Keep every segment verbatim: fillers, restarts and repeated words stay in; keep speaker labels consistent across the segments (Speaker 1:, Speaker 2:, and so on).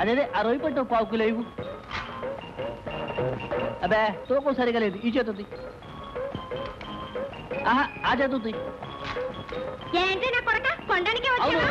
Speaker 1: అదేదే ఆ రొయ్యి పట్టు పావు కిలో ఇవ్వు. అబ్బే తూకం సరిగా లేదు, ఈ చేతుంది. ఆహా ఆ చేతుంది.
Speaker 2: ఏంటి నా కొరక కొండానికి వచ్చావా?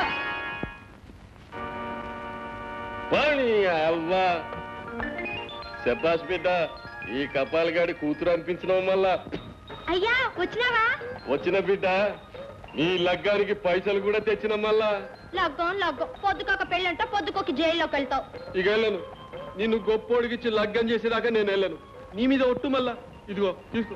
Speaker 3: శబాష్ బిడ్డ, ఈ కపాలగాడి కూతురు అనిపించడం వల్ల.
Speaker 2: అయ్యా వచ్చినావా?
Speaker 3: వచ్చిన బిడ్డ, నీ లగ్గానికి పైసలు కూడా తెచ్చిన మళ్ళా.
Speaker 2: లగ్గం లగ్గం, పొద్దుకొక పెళ్ళంట పొద్దుకొక జైల్లోకి వెళ్తావు.
Speaker 3: ఇక వెళ్ళను, నిన్ను గొప్పోడికిచ్చి లగ్గం చేసేదాకా నేను వెళ్ళను. నీ మీద ఒట్టు మళ్ళా. ఇదిగో తీసుకో.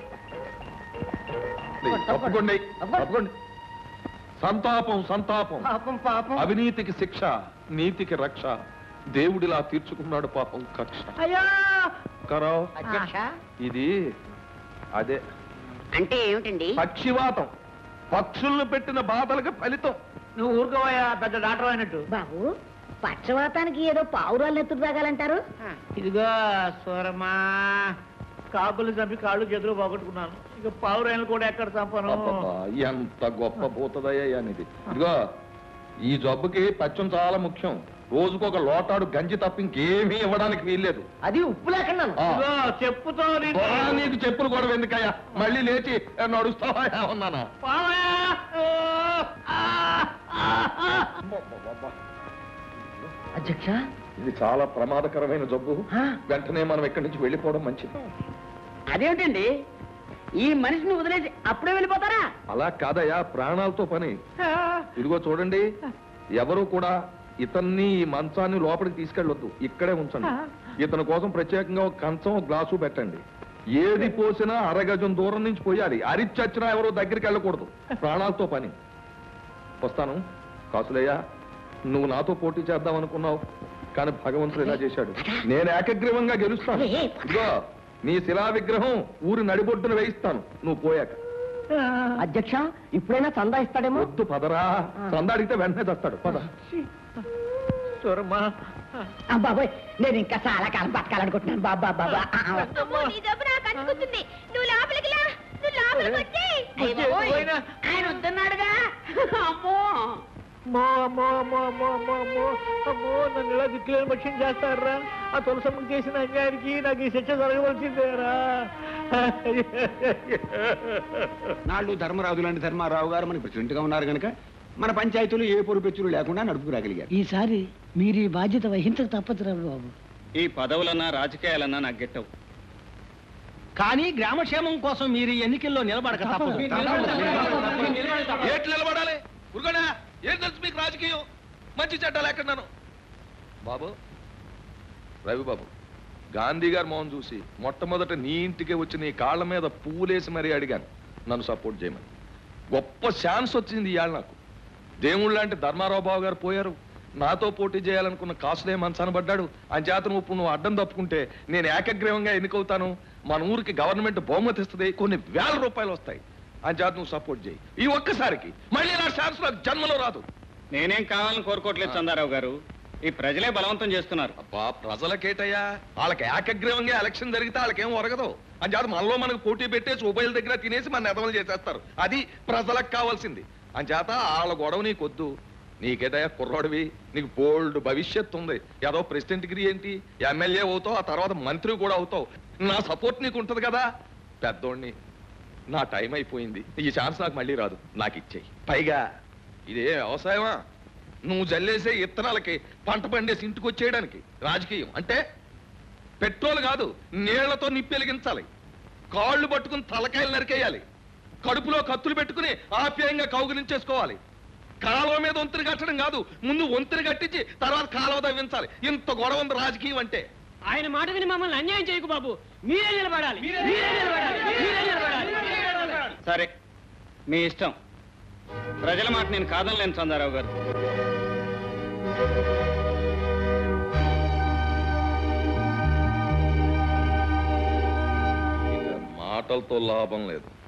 Speaker 4: తప్పకుండా తప్పకుండా. సంతాపం సంతాపం.
Speaker 1: పాపం పాపం.
Speaker 4: అవినీతికి శిక్ష, నీతికి రక్ష. దేవుడిలా తీర్చుకున్నాడు పాపం కక్ష.
Speaker 1: అయ్యా
Speaker 4: కరావ్
Speaker 1: అధ్యక్ష,
Speaker 4: ఇది అదే
Speaker 5: అంటే ఏమిటండి?
Speaker 4: పక్షివాతం. పక్షులను పెట్టిన బాధలకు ఫలితం.
Speaker 1: నువ్వు ఊరుకోవయ్యా, పెద్ద డాక్టర్ అయినట్టు.
Speaker 5: బాబు, పక్షవాతానికి ఏదో పావురాలు ఎత్తుకు తాగాలంటారు.
Speaker 1: ఇదిగో సూరమ్మా, కాకులు చంపి కాళ్ళు చేతులు పోగొట్టుకున్నాను. ఇక పావురాయలు కూడా ఎక్కడ చంపను.
Speaker 4: అబ్బబ్బా, ఎంత గొప్ప భూతదయ్యా ఇది. ఇదిగో ఈ జబ్బుకి పచ్చం చాలా ముఖ్యం. రోజుకొక లోటాడు గంజి తప్ప ఇంకేమీ ఇవ్వడానికి వీల్లేదు.
Speaker 1: అది ఉప్పు లేకుండా చెప్పుతో
Speaker 4: నీకు చెప్పులు కూడా ఎందుకయ్యా? మళ్ళీ లేచి నడుస్తావా ఉన్నానా?
Speaker 1: అధ్యక్ష,
Speaker 4: ఇది చాలా ప్రమాదకరమైన జబ్బు. వెంటనే మనం ఇక్కడి నుంచి వెళ్ళిపోవడం మంచిది.
Speaker 5: అదేమిటండి, ఈ మనిషిని వదిలేసి అప్పుడే వెళ్ళిపోతారా?
Speaker 4: అలా కాదయ్యా, ప్రాణాలతో పని. ఇదిగో చూడండి, ఎవరు కూడా ఇతన్ని ఈ మంచాన్ని లోపలికి తీసుకెళ్ళొద్దు, ఇక్కడే ఉంచండి. ఇతని కోసం ప్రత్యేకంగా ఒక కంచం ఒక గ్లాసు పెట్టండి. ఏది పోసినా అరగజం దూరం నుంచి పోయాలి. అరిచచ్చినా ఎవరో దగ్గరికి వెళ్ళకూడదు. ప్రాణాలతో పని. వస్తాను. కాసులయ్యా, నువ్వు నాతో పోటీ చేద్దాం అనుకున్నావు, కానీ భగవంతుడు ఇలా చేశాడు. నేను ఏకగ్రీవంగా గెలుస్తాను. ఇదిగో నీ శిలా విగ్రహం ఊరి నడిబొడ్డున వేయిస్తాను నువ్వు పోయాక.
Speaker 5: అధ్యక్ష, ఇప్పుడైనా చందా ఇస్తాడేమో.
Speaker 4: వద్దు పదరా, చందా అడిగితే వెంటనే తెస్తాడు. పద.
Speaker 1: సూరమ్మా,
Speaker 5: బాబాయ్, నేను ఇంకా చాలా కాలం బతకాలనుకుంటున్నాను. బాబా బాబా
Speaker 2: నీ జబ్బు నాకు అంటుకుంటుంది. నువ్వు లోపలికి లా, నువ్వు లోపలికి వచ్చి.
Speaker 5: ఆయన వద్దన్నాడుగా. అమ్మో
Speaker 1: అమ్మో అమ్మో అమ్మో అమ్మో అమ్మో అమ్మో అమ్మో, నన్ను ఇలా దిక్కులేని పక్షం చేస్తారా? ఆ తులసమ్మకి చేసిన అన్యాయానికి నాకు ఈ శిక్ష జరగవలసిందేరా.
Speaker 6: నాళ్ళు ధర్మరాజు లాంటి ధర్మారావు గారు మన ప్రెసిడెంట్ గా ఉన్నారు కనుక మన పంచాయతీలు ఏ పొరుపెచ్చులు లేకుండా నడుపుకురాగలిగారు.
Speaker 5: ఈసారి మీరు ఈ బాధ్యత వహించక తప్పదు బాబు.
Speaker 7: ఈ పదవులన్నా రాజకీయాలన్నా నాకు గెట్టవు,
Speaker 1: కానీ గ్రామక్షేమం కోసం మీరు ఎన్నికల్లో నిలబడక తప్పదు.
Speaker 4: ఏట్లు నిలబడాలి? ఉరుగనా, ఏం తెలుసు మీకు రాజకీయం? మంచి చెడ్డలు ఎక్కడున్నాను బాబు. రవి బాబు, గాంధీ గారు మోహన్ చూసి మొట్టమొదట నీ ఇంటికి వచ్చి నీ కాళ్ళ మీద పువ్వులేసి మరీ అడిగాను నన్ను సపోర్ట్ చేయమని. గొప్ప ఛాన్స్ వచ్చింది ఇవాళ నాకు. దేవుళ్ళు లాంటి ధర్మారావు బాబు గారు పోయారు. నాతో పోటీ చేయాలనుకున్న కాసులే మనసనబడ్డాడు. అని చేతను ఇప్పుడు నువ్వు అడ్డం తప్పుకుంటే నేను ఏకగ్రీవంగా ఎన్నికవుతాను. మన ఊరికి గవర్నమెంట్ బహుమతి ఇస్తుంది, కొన్ని వేల రూపాయలు వస్తాయి. అని చేత నువ్వు సపోర్ట్ చేయి. ఈ ఒక్కసారికి మళ్ళీ నా ఛాన్స్ నాకు జన్మలో రాదు.
Speaker 7: నేనేం కావాలని కోరుకోవట్లేదు చందారావు గారు, ఈ ప్రజలే బలవంతం చేస్తున్నారు.
Speaker 4: అబ్బా, ప్రజలకేటయ్యా, వాళ్ళకి ఏకగ్రీవంగా ఎలక్షన్ జరిగితే వాళ్ళకేం ఒరగదు. అని చేత మనలో మనకు పోటీ పెట్టేసి ఉభయల దగ్గర తినేసి మన నెదవలు చేసేస్తారు. అది ప్రజలకు కావాల్సింది. అని చేత వాళ్ళ గొడవ నీకొద్దు. నీకేదయ్యా కుర్రాడివి, నీకు బోల్డ్ భవిష్యత్తు ఉంది. ఏదో ప్రెసిడెంట్ డిగ్రీ ఏంటి, ఎమ్మెల్యే అవుతావు, ఆ తర్వాత మంత్రి కూడా అవుతావు. నా సపోర్ట్ నీకు ఉంటుంది కదా. పెద్దోడిని, నా టైం అయిపోయింది. ఈ ఛాన్స్ నాకు మళ్ళీ రాదు, నాకు ఇచ్చేయి. పైగా ఇదే వ్యవసాయమా? నువ్వు జల్లేసే ఇత్తనాలకి పంట పండేసి ఇంటికి వచ్చేయడానికి రాజకీయం అంటే పెట్రోల్ కాదు, నీళ్లతో నిప్పి వెలిగించాలి. కాళ్ళు పట్టుకుని తలకాయలు నరికేయాలి. కడుపులో కత్తులు పెట్టుకుని ఆప్యాయంగా కౌగిలించేసుకోవాలి. కాలువ మీద వంతుని కట్టడం కాదు, ముందు వంతుని కట్టించి తర్వాత కాలువ తవ్వించాలి. ఇంత గొడవ ఉంది రాజకీయం అంటే.
Speaker 1: ఆయన మాట విని మమ్మల్ని అన్యాయం చేయకు బాబు. మీరే నిలబడాలి, మీరే నిలబడాలి, మీరే నిలబడాలి.
Speaker 7: సరే, మీ ఇష్టం. ప్రజల మాట నేను కాదనలేను చందారావు గారు.
Speaker 4: మాటలతో లాభం లేదు.